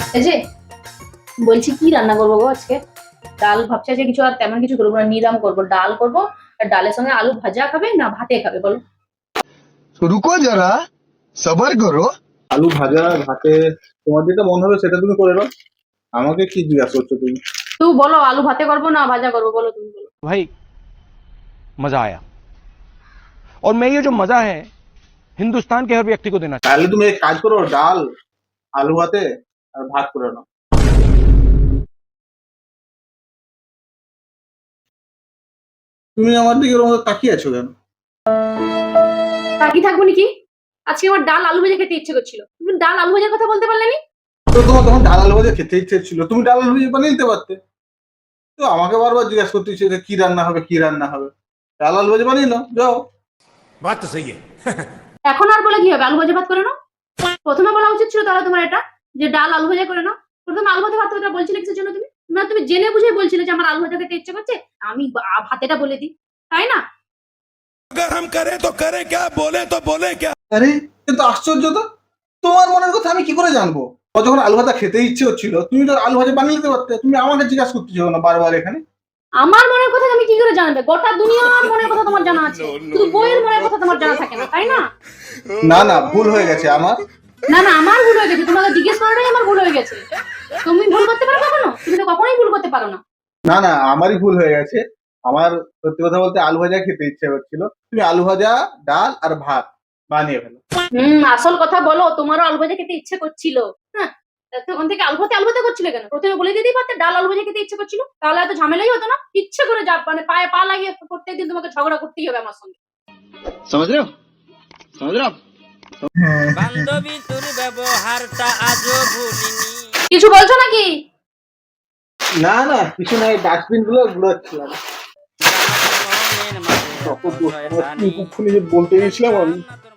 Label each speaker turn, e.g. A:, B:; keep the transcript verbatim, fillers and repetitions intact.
A: এই যে বলছি কি রান্না করবো গো আজকে? ডাল ভাবছি আজকে কিছু আর তেমন কিছু করবো না, নিরাম করবো, ডাল করবো। আর ডালের সঙ্গে আলু ভাজা খাবে না ভাতে খাবে বলো?
B: रुको जरा सबर करो।
C: আলু ভাজা ভাতে তোমার যেটা মন হবে সেটা তুমি করে নাও। আমাকে কি জিজ্ঞাসা করছো তুমি?
A: তুই বলো আলু ভাতে করবো না ভাজা করবো, বলো তুমি বলো।
D: भाई मजा आया। और मैं ये जो मजा है हिंदुस्तान के हर व्यक्ति को देना चाहता
C: তাহলে তুমি এক কাজ করো, ডাল আলু ভাতে আর ভাত করে নাও। তুমি আমার দিকে ওরকম তাকিয়ে আছো কেন?
A: বাকি থাকবো নাকি? আজকে আমার ডাল আলু ভাজা খেতে ইচ্ছে করছিল, তুমি ডাল আলু ভাজার কথা বলতে পারলে না?
C: তো তোমার তখন ডাল আলু ভাজা খেতে ইচ্ছে ছিল, তুমি ডাল আলু ভাজা বানিয়ে নিতে পারতে। তো আমাকে বারবার জিজ্ঞাসা করতে ইচ্ছে যে কি রান্না হবে কি রান্না হবে। ডাল আলু ভাজা বানিয়ে নাও, যাও।
E: बात तो सही है।
A: এখন আর বলে কি হবে, আলু ভাজা ভাত করে নাও। প্রথমে বলা উচিত ছিল তাহলে তোমার এটা, যে ডাল আলু ভাজা করে নাও। প্রথমে আলু ভাতে ভাত কথা বলছিলে কিসের জন্য তুমি? না তুমি জেনে বুঝে বলছিলে যে আমার আলু ভাজা খেতে ইচ্ছে করছে, আমি বা- ভাতেটা বলে দিই, তাই না?
E: अगर हम करें तो करें क्या, बोले तो बोले क्या।
C: আরে কিন্তু আশ্চর্য তো, তোমার মনের কথা আমি কি করে জানবো? ও যখন আলু ভাজা খেতে ইচ্ছে হচ্ছিল তুমি তো আলু ভাজা বানিয়ে নিতে পারতে, তুমি আমাকে জিজ্ঞাসা করতেছো না বারবার এখানে।
A: আমার মনের কথা আমি কি করে জানবে? গোটা দুনিয়ার মনের কথা তোমার জানা আছে, শুধু বইয়ের মনের কথা তোমার জানা থাকে না, তাই না?
C: না না, ভুল হয়ে গেছে আমার।
A: না না, আমার ভুল হয়ে গেছে, তোমাকে জিজ্ঞেস করাটাই আমার ভুল হয়ে গেছে। তুমি ভুল করতে পারো কখনো? তুমি তো কখনোই ভুল করতে পারো না।
C: না না, আমারই ভুল হয়ে গেছে। আমার সত্যি কথা বলতে আলু ভাজা খেতে ইচ্ছে হচ্ছিল, তুমি আলু ভাজা ডাল আর ভাত বানিয়ে ফেলো।
A: হুম, আসল কথা বলো, তোমারও আলু ভাজা খেতে ইচ্ছে করছিল। হ্যাঁ, তা তখন থেকে আলু ভাতে আলু ভাতে করছিল কেন? প্রথমে বলে দিতেই পারতে ডাল আলু ভাজা খেতে ইচ্ছে করছিল, তাহলে এত ঝামেলাই হতো না। ইচ্ছে করে যা মানে পায়ে পা লাগিয়ে প্রত্যেকদিন তোমাকে ঝগড়া করতেই হবে আমার সঙ্গে।
B: समझ रहे हो समझ रहे हो आप?
F: বান্ধবী তোর ব্যবহারটা আজও ভুলিনি।
A: কিছু বলছো নাকি?
C: না না কিছু নাই, ডাস্টবিন গুলো ঘুরাচ্ছিলাম।
F: মনের মাঝে
C: কত
F: শয়তানি।
C: বলতে গেছিলাম আমি।